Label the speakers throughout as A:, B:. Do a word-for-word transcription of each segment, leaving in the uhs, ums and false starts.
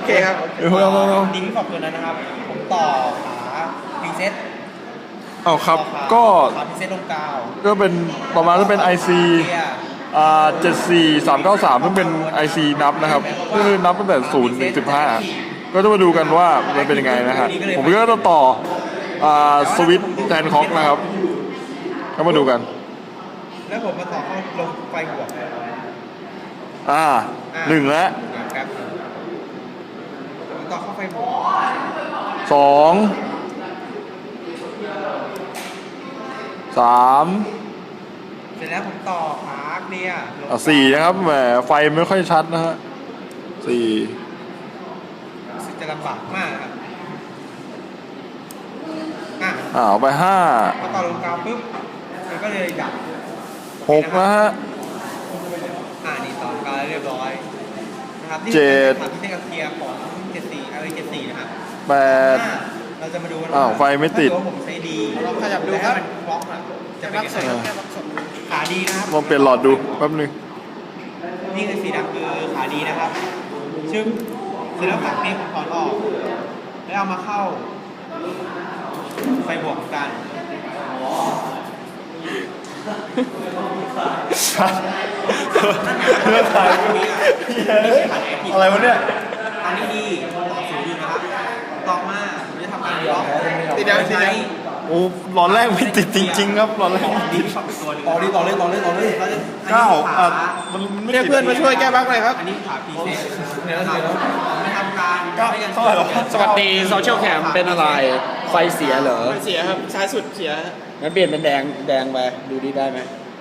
A: เคครับ
B: เดี๋ยวเราเรา
C: ดีที่บอกตัวนั้นนะครับผมต่อขาพรีเซ็ต
B: เอาครับก็
C: ขาพรีเซ็ตลงกาว
B: ก็เป็นประมาณนั้นเป็น ไอ ซี อ่าเจ็ดสี่สามเก้าสามซึ่งเป็น ไอ ซี นับนะครับก็คือนับตั้งแต่ศูนย์ถึงสิบห้าก็จะมาดูกันว่ามันเป็นยังไงนะฮะผมก็จะต่ออ่าสวิตช์แทนคอกนะครับก็มาดูกัน
C: แล้วผมมาต่อเข้าลงไฟบวก
B: อ่าหนึ่งแล้ว
C: ครับผมต่อเข้าไฟบวก
B: สองสาม
C: เสร็จแล้วผมต่อขาเคลียร์ลง
B: อ่ะสี่นะครับแหมไฟไม่ค่อยชัดนะฮะสี่
C: รู้สึกจะลำบากมากครับอ่ะ
B: อ่าเอาไปห้า
C: พอต่อลงกาวปุ๊บมันก็เลยดับ
B: หกนะฮะ
C: อ่านี่ต่อกาวเรียบร้อยนะครับนี่
B: เจ็ด
C: คือที่เส้นกับเคลียร์ของเจ็ดสี่อะไรเจ็ดสี่นะครับ
B: แปด
C: ห้าเราจะมาดูกัน
B: อ้าวไฟไม่ติด
C: ถ้าเกิว่าผมใช้ดีเราขยับดูครับมันบล็อกอ่ะจะเป็นยังไงขาดีนะครับ
B: ลองเปลี่ยนหลอดดูแป๊บนึง
C: นี่คือสีดำคือขาดีนะครับชึบเสร็จแล้วฝักนี่ผมถอนออกแล้วเอามาเข้าไฟบวกกัน
B: อะไรวะเนี่ย
C: อันนี้ดีต่อศูนย์อยู่นะครับต่อมาผมจะทำการบล็อก
A: ติดยังติดยัง
B: โอ้หลอดแรกไม่ติดจริงๆครับหลอดแรก
C: ดีที่ฝักเป็นตัวหนึง
A: ต่อดิต่อเลยต่อเลยต่อเลย
C: เราจะ
B: เก้า
C: อั
B: อ่ะ
C: นนี้ขา
B: มันไม่
A: เรียกเพื่อนมาช่วยแก้บั๊กหน่อยครับ
C: อันนี้ขาพีเซส
A: เนี่ยแล้วเนี่ยแล้ว
C: ไม่ทำการ
B: เก้า
C: ไม่กัน
B: เท่าไหร่หรอ
D: สวัสดีโซเชียลแคมเป็นอะไร ไฟเสียเหรอ
A: มันเสียครับซ้ายสุดเสีย
D: งั้นเปลี่ยนเป็นแดงแดงไป ดูดีได้ไหม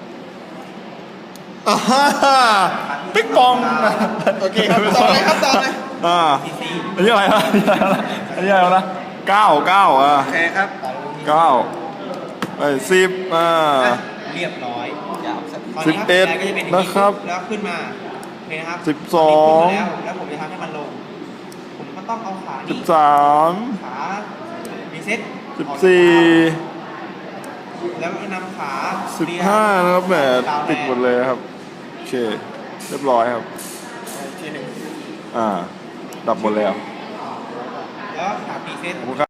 B: อ่าฮ่าปิ๊กปอง
A: โอเคครับต่อเลยครับต่อเลย
B: อ่า
C: พีซี
B: อันนี้อะไรนะอันนี้อะไรนะเก้าเก้าอ่ะ
A: โอเคครับ
B: เก้าไอ้สิบอ่า
C: เรียบร้อยตน
B: สิบ
C: นี้
B: เอ็ด
C: แรงก็จะเป็นย่าง
B: นะครับ
C: แล้วขึ้นมาโอเคนะครับ
B: สิบสอง
C: นนี้ขึ้นมาแล้วแล้วผมจะทำให้มันลง ผมก็ต้องเอาขา
B: สิ
C: นี้
B: บสาม
C: ขารีเซ็ต
B: สิบสี่
C: แล้วก็นำขา
B: สิบห้านะครับแหมติดหมดเลยครับโอเคเรียบร้อยครับ
A: ทีหนึ่ง
B: อ่าดับหมดแล้ว
C: แล้วขาพรีเซ็ต
B: ขอบคุณครับ